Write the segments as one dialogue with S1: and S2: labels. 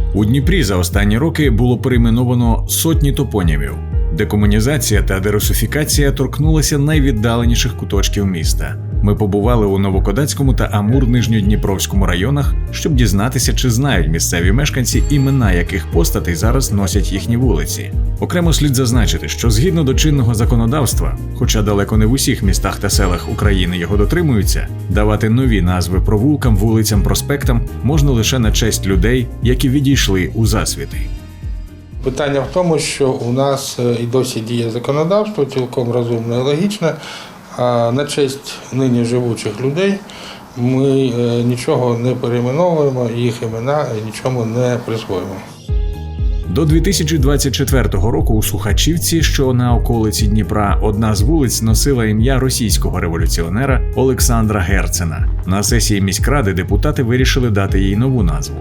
S1: У Дніпрі за останні роки було перейменовано сотні топонімів. Декомунізація та дерусифікація торкнулися найвіддаленіших куточків міста. Ми побували у Новокодацькому та Амур-Нижньодніпровському районах, щоб дізнатися, чи знають місцеві мешканці, імена яких постатей зараз носять їхні вулиці. Окремо слід зазначити, що згідно до чинного законодавства, хоча далеко не в усіх містах та селах України його дотримуються, давати нові назви провулкам, вулицям, проспектам можна лише на честь людей, які відійшли у засвіти.
S2: Питання в тому, що у нас і досі діє законодавство, цілком розумне і логічне, а на честь нині живучих людей ми нічого не перейменовуємо, їх імена нічому не присвоюємо.
S1: До 2024 року у Сухачівці, що на околиці Дніпра, одна з вулиць носила ім'я російського революціонера Олександра Герцена. На сесії міськради депутати вирішили дати їй нову назву.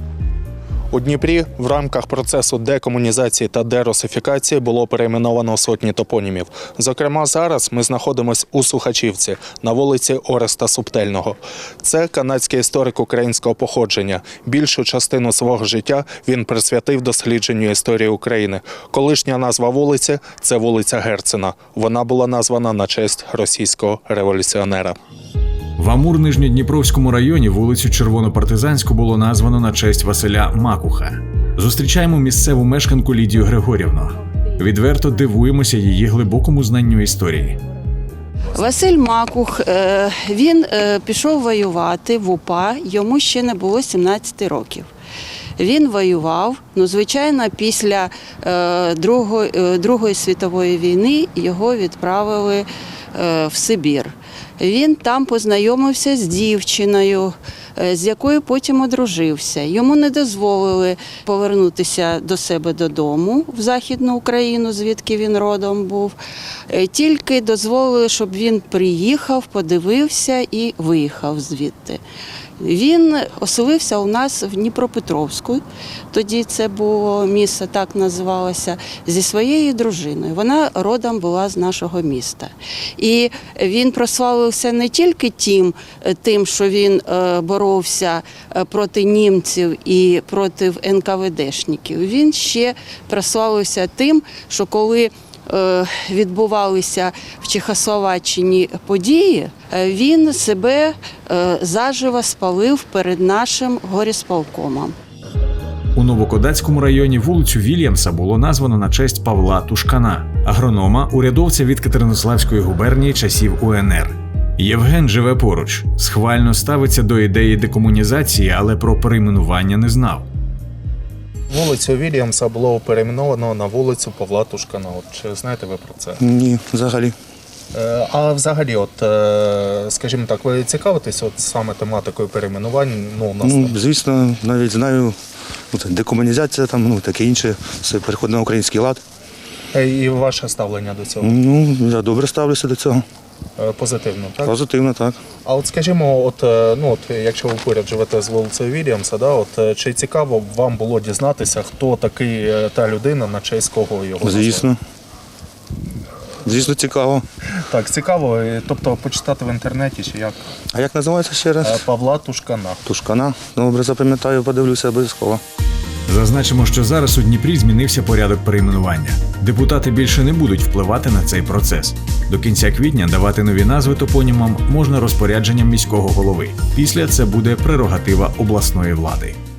S3: У Дніпрі в рамках процесу декомунізації та дерусифікації було перейменовано сотні топонімів. Зокрема, зараз ми знаходимося у Сухачівці, на вулиці Ореста Субтельного. Це канадський історик українського походження. Більшу частину свого життя він присвятив дослідженню історії України. Колишня назва вулиці – це вулиця Герцена. Вона була названа на честь російського революціонера.
S1: В Амур-Нижньодніпровському районі вулицю Червонопартизанську було названо на честь Василя Макуха. Зустрічаємо місцеву мешканку Лідію Григорівну. Відверто дивуємося її глибокому знанню історії.
S4: Василь Макух, він пішов воювати в УПА, йому ще не було 17 років. Він воював, звичайно, після Другої світової війни його відправили в Сибір. Він там познайомився з дівчиною, з якою потім одружився. Йому не дозволили повернутися до себе додому в Західну Україну, звідки він родом був. Тільки дозволили, щоб він приїхав, подивився і виїхав звідти. Він оселився у нас в Дніпропетровську, тоді це було місто, так називалося, зі своєю дружиною. Вона родом була з нашого міста. І він прославився не тільки тим, що він боровся проти німців і проти НКВДшників. Він ще прославився тим, що коли відбувалися в Чехословаччині події, він себе заживо спалив перед нашим горісполкомом.
S1: У Новокодацькому районі вулицю Вільямса було названо на честь Павла Тушкана, агронома, урядовця від Катеринославської губернії часів УНР. Євген живе поруч, схвально ставиться до ідеї декомунізації, але про перейменування не знав.
S3: Вулицю Вільямса було перейменовано на вулицю Павла Тушкана. Чи знаєте ви про це?
S5: Ні, взагалі.
S3: А взагалі, скажімо так, ви цікавитесь саме тематикою перейменувань?
S5: Звісно, навіть знаю, декомунізація, таке інше, все переходить на український лад.
S3: І ваше ставлення до цього?
S5: Я добре ставлюся до цього.
S3: Позитивно, так?
S5: Позитивно, так.
S3: А скажімо, якщо ви поряд живете з вулицею Вільямса, чи цікаво вам було дізнатися, хто такий та людина, на честь кого його назвали?
S5: Звісно. Звісно, цікаво.
S3: Так, цікаво. Тобто почитати в інтернеті чи як?
S5: А як називається ще раз?
S3: Павла Тушкана.
S5: Тушкана. Добре, запам'ятаю, подивлюся обов'язково.
S1: Зазначимо, що зараз у Дніпрі змінився порядок перейменування. Депутати більше не будуть впливати на цей процес. До кінця квітня давати нові назви топонімам можна розпорядженням міського голови. Після це буде прерогатива обласної влади.